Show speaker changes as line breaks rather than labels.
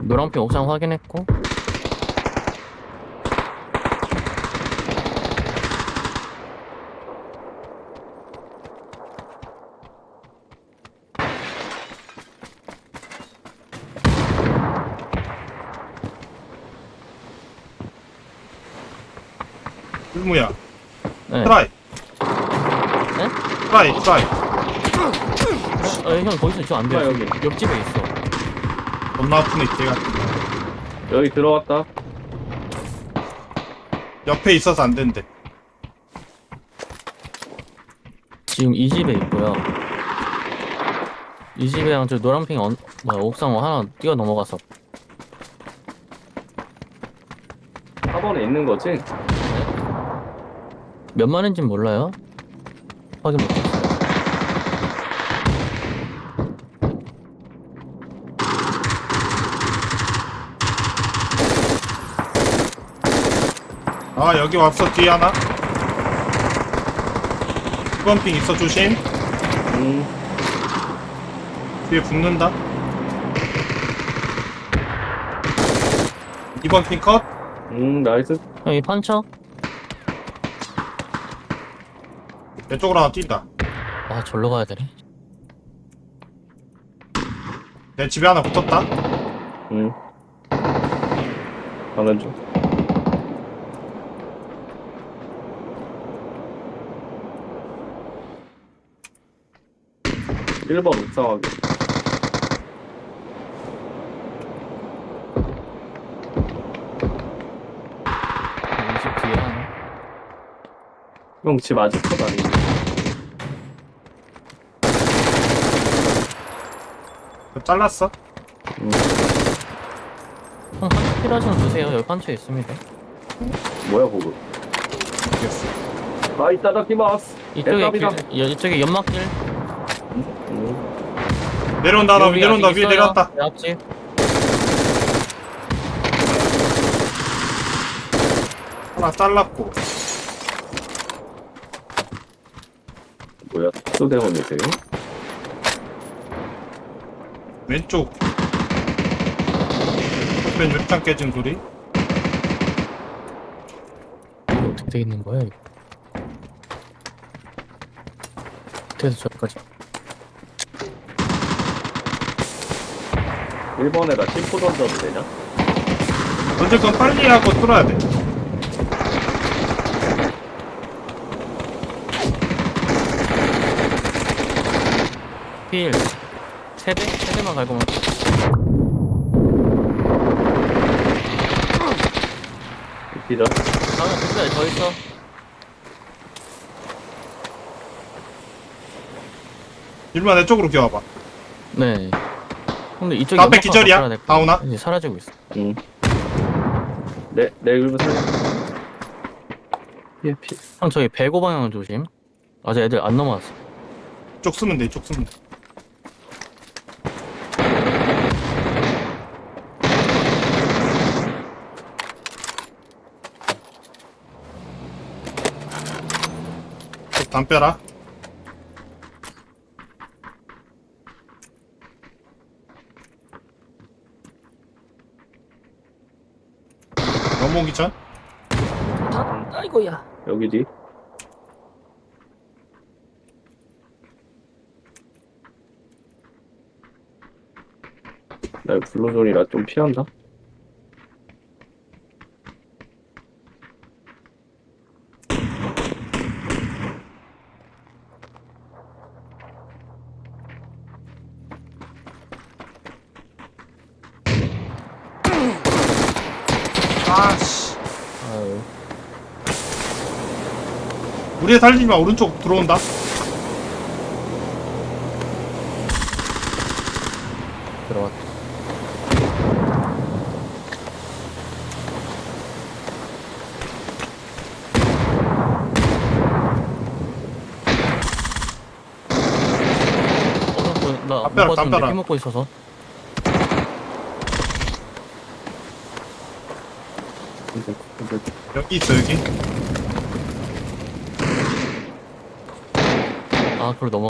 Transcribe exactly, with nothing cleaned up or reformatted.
노란핑 옥상 확인했고.
일무야.
네.
트라이.
네?
트라이, 트라이.
어, 형 거기서 저 안 돼요.
아, 여기.
지금 옆집에 있어.
겁나 아프네, 걔가.
여기 들어왔다.
옆에 있어서 안 된대.
지금 이 집에 있고요. 이 집에랑 저 노란핑 언, 뭐야, 옥상 하나 뛰어 넘어가서.
사 번에 있는 거지?
몇 마리인진 몰라요. 확인 못했어요.
아, 여기 왔어, 뒤에 하나. 이 번 핑 있어, 조심.
음.
뒤에 붙는다. 이 번 핑 컷.
음, 나이스.
여기 판쳐?
내 쪽으로 하나 뛴다.
아, 절로 가야 되네.
내 집에 하나 붙었다.
음. 가는 중. 일 번 옥상하기.
이 집 뒤에 하나.
형 집 아직 컷 아니지?
그거 잘랐어.
음.
형 판쳐 필요하시면 드세요. 여기 판쳐 있습니다.
뭐야, 그거?
알겠어.
아, 이따다키마스.
이쪽에 길,
대답이다.
여, 이쪽에 연막길.
음.
내려온다, 나
여기
내려온다,
아직
위에
있어요.
내려왔다.
내 앞집.
하나 잘랐고.
뭐야, 특수대원이세요?
왼쪽. 왼 육장 깨진 소리.
이거 어떻게 돼 있는 거야, 이거? 어떻게 저기까지.
일 번에다 심포 던져도 되냐?
던질 건 빨리 하고 뚫어야 돼.
필. 세대? 세대만 갈고 만
기절.
다음에 끝까지 더 있어.
일루야, 내 쪽으로 기어와봐.
네. 근데 이쪽에
나 앞에
연막만
기절이야?
바꿔야 될 거야.
다운아?
이제 사라지고 있어.
응. 내, 내 일부 살려. 피해, 피해.
형 저기 배고 방향 조심. 아직 애들 안 넘어왔어.
이쪽 쓰면 돼, 이쪽 쓰면 돼. 담 빼라. 넘어오기 전?
아이고야.
여기 뒤. 나 블루존이라 좀 피한다.
아씨.
아유.
우리 애 살리지 마, 오른쪽 들어온다.
들어왔다. 어, 나
담벼락,
못 봤는데
담벼락.
피 먹고 있어서.
근데, 근데
여기 있어, 여기.
아, 그걸 넘어.